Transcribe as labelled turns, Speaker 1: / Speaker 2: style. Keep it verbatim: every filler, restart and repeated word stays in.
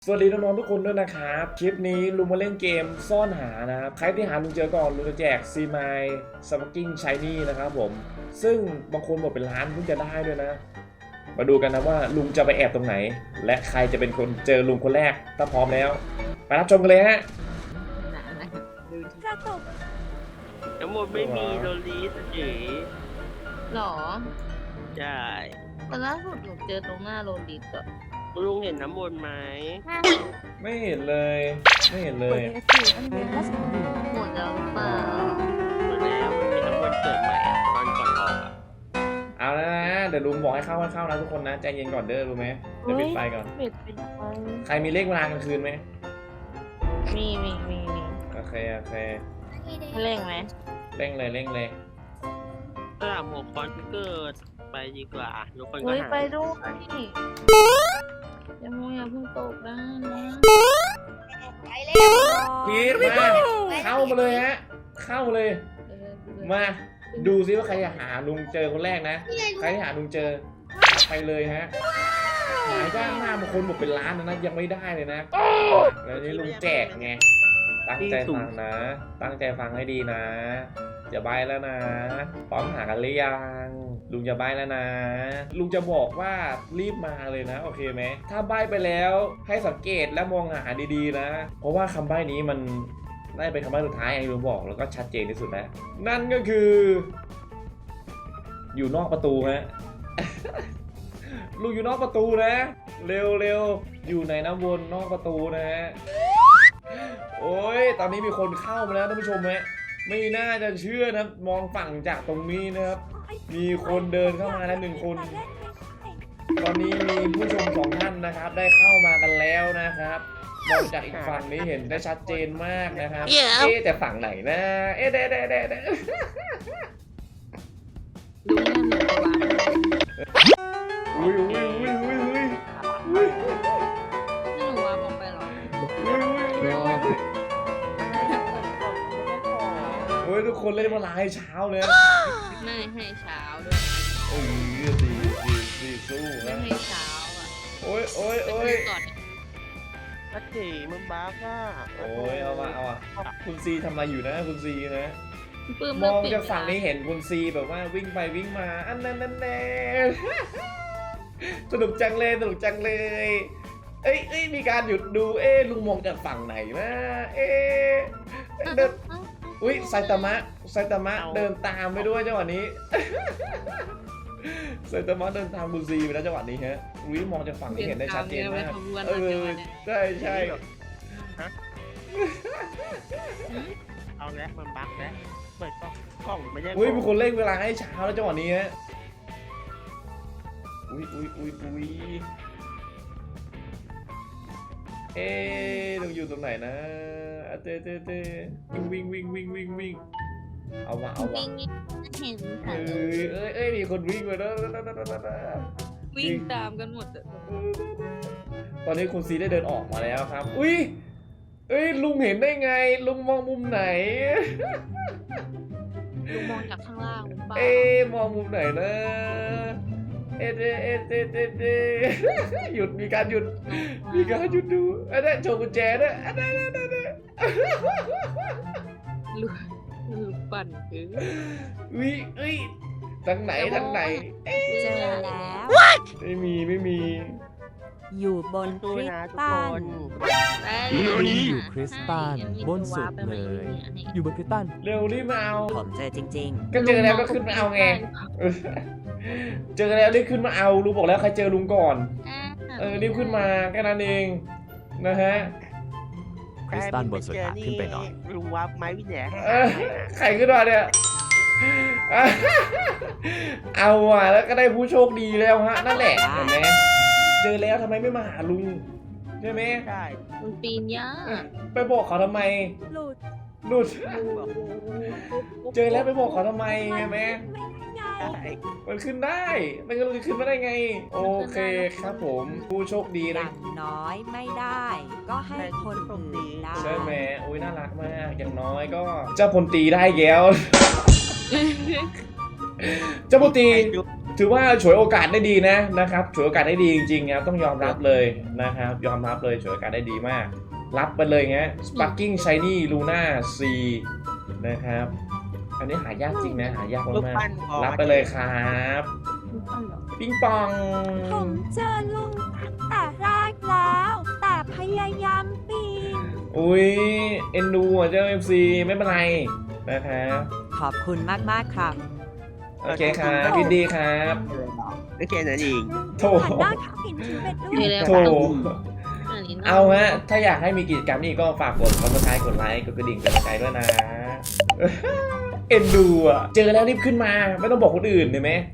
Speaker 1: สวัสดีน้องๆทุกคนด้วยนะครับคลิปนี้ลุงมาเล่นเกมซ่อนหานะครับใครที่หาลุงเจอก่อนลุงจะแจกซีไมล์สปักกิ้งชายนี่นะครับผมซึ่งบางคนบอกเป็นล้านเพิ่งจะได้ด้วยนะมาดูกันนะว่าลุงจะไปแอบตรงไหนและใครจะเป็นคนเจอลุงคนแรกถ้าพร้อมแล้วไปรับชมกันเลยฮะ
Speaker 2: กระตุก
Speaker 3: น้ำมันไม่มีโรลีสเฉย
Speaker 2: หรอ
Speaker 3: ใช่
Speaker 2: แต่ล่าสุดหนูเจอตรงหน้าโรลิสอะ
Speaker 3: ลุงเห็นน้ำมันไหม
Speaker 1: ไม่เห็นเลยไม่เห็นเลย
Speaker 2: หมดแล้วหรือเปล่า
Speaker 3: หมดแล้วมันเป็นน้ำมันเกิดใหม่อะตอนก่อนออกอะ
Speaker 1: เอาแล้วนะเดี๋ยวลุงบอกให้เข้าให้เข้านะทุกคนนะใจเย็นก่อนเด้อรู้ไหมเดี๋ยวปิดไฟก่อน
Speaker 2: ปิดปิดไฟ
Speaker 1: ใครมีเลขเวลากลางคืนไหม
Speaker 2: มีมีมีมี
Speaker 1: โอเคโอเค
Speaker 2: เร่งไหม
Speaker 1: เร่งเลยเร่งเลย
Speaker 3: สนามหัวคอนเกิดไปดีกว่าทุกคนก็
Speaker 2: เฮ้ย
Speaker 3: หา
Speaker 2: ไปด้วยอย่ามัวอย่าเพิ่งตกนะนะ
Speaker 1: พีทมาเข้ามาเลยฮะเข้ามาเลยมาดูซิว่าใครจะหาลุงเจอคนแรกนะใครที่หาลุงเจอไปเลยฮะหายากมากบางคนบอกเป็นล้านนะนะยังไม่ได้เลยนะแล้วนี่ลุงแจกไงตั้งใจฟังนะ ตั้งใจฟังให้ดีนะจะใบแล้วนะพร้อมหากันหรือยังลุงจะใบแล้วนะ ลุงจะบอกว่ารีบมาเลยนะโอเคไหมถ้าใบไปแล้วให้สังเกตและมองหาดีๆนะเพราะว่าคำใบนี้มันได้เป็นคำใบ้สุดท้ายไอ้ลุงบอกแล้วก็ชัดเจนที่สุดนะนั่นก็คือ อยู่นอกประตูฮะ ลุงอยู่นอกประตูนะเร็วเร็วอยู่ในน้ำวนนอกประตูนะฮะโอ้ยตอนนี้มีคนเข้ามาแล้วท่านผู้ชมฮะไม่น่าจะเชื่อนะมองฝั่งจากตรงนี้นะครับมีคนเดินเข้ามาแล้วหนึ่งคน ตอนนี้มีผู้ชมสองท่านนะครับได้เข้ามากันแล้วนะครับมองจากอีกฝั่งนี้เห็นได้ชัดเจนมากนะครับเอ๊ะแต่ฝั่งไหนนะเอ๊ะเด้เด้เด้เด้
Speaker 2: ลุงเนี่ยหนูไปวัด
Speaker 1: อุ้ยอุ้ยอุ้ยอุ้ยอุ้ยอุ้ย
Speaker 2: นี่หนูว่าบอกไปหรอ
Speaker 1: โอ้ยทุกคนเล่นมาลายเช้าเลย
Speaker 2: ไม่ให้เช้าด้วย
Speaker 1: เออดีดีดีสู้
Speaker 2: ไม่
Speaker 1: นะ
Speaker 2: ให้เช้าอ่ะ
Speaker 1: โอ้ยโอ้ยโอ้ย
Speaker 2: ก่อน
Speaker 3: นัดถีมันบ้าก่ะ
Speaker 1: โอ้ยเอามาเอาอ่ะคุณซีทำอะไรอยู่นะคุณซีนะ
Speaker 2: ปื้
Speaker 1: มองจากฝั่งนี้เห็นคุณซีแบบว่าวิ่งไปวิ่งมาอันนั้นนั่นแน่สนุกจังเลยสนุกจังเลยเอ้ยเอ้ยมีการหยุดดูเอ๊ะลุงมองจากฝั่งไหนนะเอ๊ะเดินอุ้ยไซตามะไซตามะเดินตามไปด้วยจังหวะนี้ไซตามะเดินตามคุณซีไปแล้วจังหวะนี้ฮะอุ้ยมองจากฝั่งนี้เห็นได้ชัดเจนมากเออใช่ใช่
Speaker 3: เอาแล้วมันบั๊กแล้วเปิดกล้องกล้องไม่ใช่
Speaker 1: อุ้ยมีคนเร่งเวลาให้เช้าแล้วจังหวะนี้ฮะอุ้ยอุ้ยอุ้ยอุ้ยเอ๊ะเราอยู่ตรงไหนนะเต้เต้เต้วิ่งวิ่งวิ่งวิ่งวิ่งวิ่งเอาวะเอาวะ
Speaker 2: วิ่งเห็น
Speaker 1: เอ้
Speaker 2: ค่ะ
Speaker 1: ยเอ้ยเอ้ยมีคนวิ่งมาแล้ว
Speaker 2: วิ่งตามกันหมดอะ
Speaker 1: ตอนนี้คุณซีได้เดินออกมาแล้วครับอุ้ยเอ้ยลุงเห็นได้ไงลุงมองมุมไหน
Speaker 2: ลุงมองจากข้างล่างหรือเปล่า
Speaker 1: เอ๊ะมองมุมไหนนะเอ๊ะเอ๊ะเอ๊ะเอ๊ะเอ๊ะเอ๊ะหยุดมีการหยุดมีการหยุดดูอันนั้นโชว์กุญแจด้วยอันนั้นอันนั้น
Speaker 2: ลูกลูกปั่นคือ
Speaker 1: อุ้ยอุ้ยทางไหนทางไหน
Speaker 4: เจอแล้ว
Speaker 1: ไม่มีไม่มี
Speaker 4: อยู่บนค
Speaker 3: ดู
Speaker 4: ริส
Speaker 3: นะทุก
Speaker 4: ตั
Speaker 3: คน น
Speaker 5: อยู่คริสตัลบนสุดเลย อยู่บนคริสตัล
Speaker 1: เร็วรีบมาเอา
Speaker 4: ผมเจอจริง
Speaker 1: ก็เจอแล้วก็ขึ้นมาเอาไงเจอแล้วรีบขึ้นมาเอาลุงบอกแล้วใครเจอลุงก่อนเออรีบขึ้นมาแค่นั้นเองนะฮะ
Speaker 5: คริสตัลบนสุดหาขึ้นไปหน่อย
Speaker 3: ลุงวับไม้วิแหนให้
Speaker 1: เออใครขึ้นมาเนี่ยเอาอ่ะแล้วก็ได้ผู้โชคดีแล้วฮะนั่นแหละเห็นไหมเจอแล้วทำไมไม่มาหาลุงใช่ไหม
Speaker 3: ใช่
Speaker 2: มันปีนยาก
Speaker 1: ไปบอกเขาทำไม
Speaker 4: ๆ หลุด
Speaker 1: หลุดเจอแล้วไปบอกเขาทำไมใช่ไหม
Speaker 3: ใช่
Speaker 1: มันขึ้นได้มันก็จะขึ้นมาได้ไง โอเคครับผมผู้โชคดี
Speaker 4: อ
Speaker 1: นะ
Speaker 4: ย่างน้อยไม่ได้ ก็ให้คนอื่นได้
Speaker 1: ใช่ไหมอุ้ยน่ารักมากอย่างน้อยก็เจ้าพลตรีได้แก้ว เจ้าพลตรีถือว่าฉวยโอกาสได้ดีนะนะครับฉวยโอกาสได้ดีจริงๆครับต้องยอมรับเลยนะครับยอมรับเลยฉวยโอกาสได้ดีมาก รับไปเลยฮะ Sparking Shiny Luna C นะครับอันนี้หายากจริงนะหายาก
Speaker 3: ลูก
Speaker 1: มาก
Speaker 3: ปั้นพอ
Speaker 1: ๆรับไปเลยครับ
Speaker 2: ลูกปั้นเหรอ
Speaker 1: ปิงปอง
Speaker 4: ผมเจอลุงแต่แรกแล้ว แต่พยายามปีน
Speaker 1: อุ้ยเอ็นดูอ่ะเจ้า เอฟ ซี ไม่เป็นไรนะครับ
Speaker 4: ขอบคุณมากๆครับ
Speaker 1: โอเคครับยินดีครับ
Speaker 3: ไม่แค่นั้นเอง
Speaker 1: โถ
Speaker 4: หันหน้าขากินชีวิตด้ว
Speaker 2: มี
Speaker 4: ย
Speaker 2: แล้ว
Speaker 1: โถ
Speaker 2: อันนี้น่
Speaker 1: เอาฮะ ถ้าอยากให้มีกิจกรรมนี้ก็ฝากกดซับสไครต์กดไลค์กดกระดิ่งเป็นกำลังใจด้วยนะ เอ็นดูอ่ะ เจอแล้วรีบขึ้นมา ไม่ต้องบอกคนอื่นเห็นไหม